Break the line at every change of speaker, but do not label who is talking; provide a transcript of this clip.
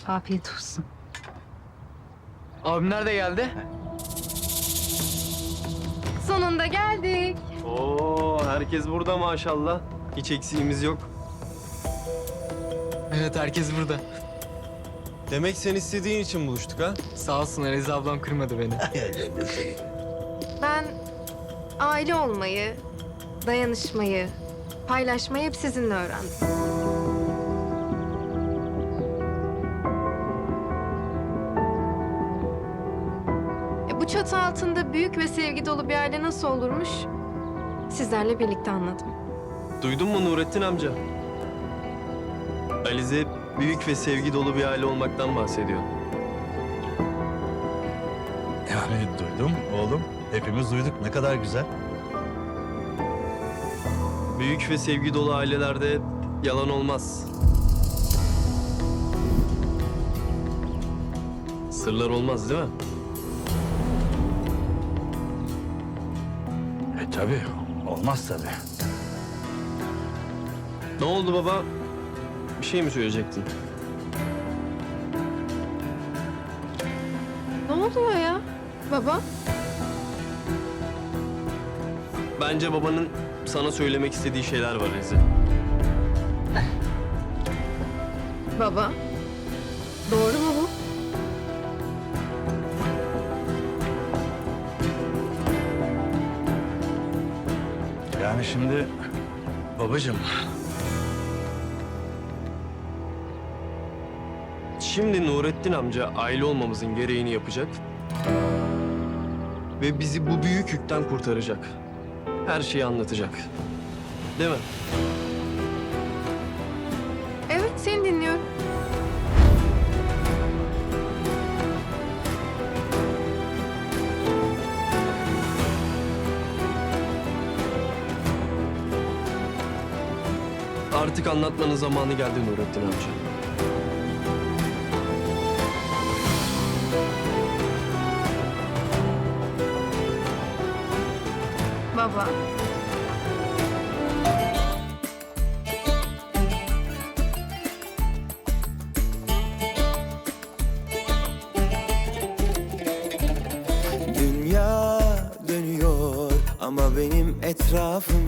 Afiyet olsun.
Abimler de geldi.
Sonunda geldik.
Oo, herkes burada maşallah. Hiç eksiğimiz yok.
Evet, herkes burada.
Demek sen istediğin için buluştuk ha?
Sağ olsun, Elize ablam kırmadı beni.
Ben aile olmayı, dayanışmayı, paylaşmayı hep sizinle öğrendim. Bu çatı altında büyük ve sevgi dolu bir aile nasıl olurmuş? Sizlerle birlikte anladım.
Duydun mu Nurettin amca? Alize büyük ve sevgi dolu bir aile olmaktan bahsediyor.
Yani duydum oğlum. Hepimiz duyduk. Ne kadar güzel.
Büyük ve sevgi dolu ailelerde yalan olmaz. Sırlar olmaz değil mi?
Tabii. Olmaz tabii.
Ne oldu baba? Bir şey mi söyleyecektin?
Ne oluyor ya baba?
Bence babanın sana söylemek istediği şeyler var Alize.
Baba, doğru mu bu?
Yani şimdi babacığım.
Şimdi Nurettin amca aile olmamızın gereğini yapacak. Ve bizi bu büyük yükten kurtaracak. Her şeyi anlatacak. Değil mi?
Evet, seni dinliyorum.
Artık anlatmanın zamanı geldi Nurettin amca.
Baba.
Dünya dönüyor ama benim etrafım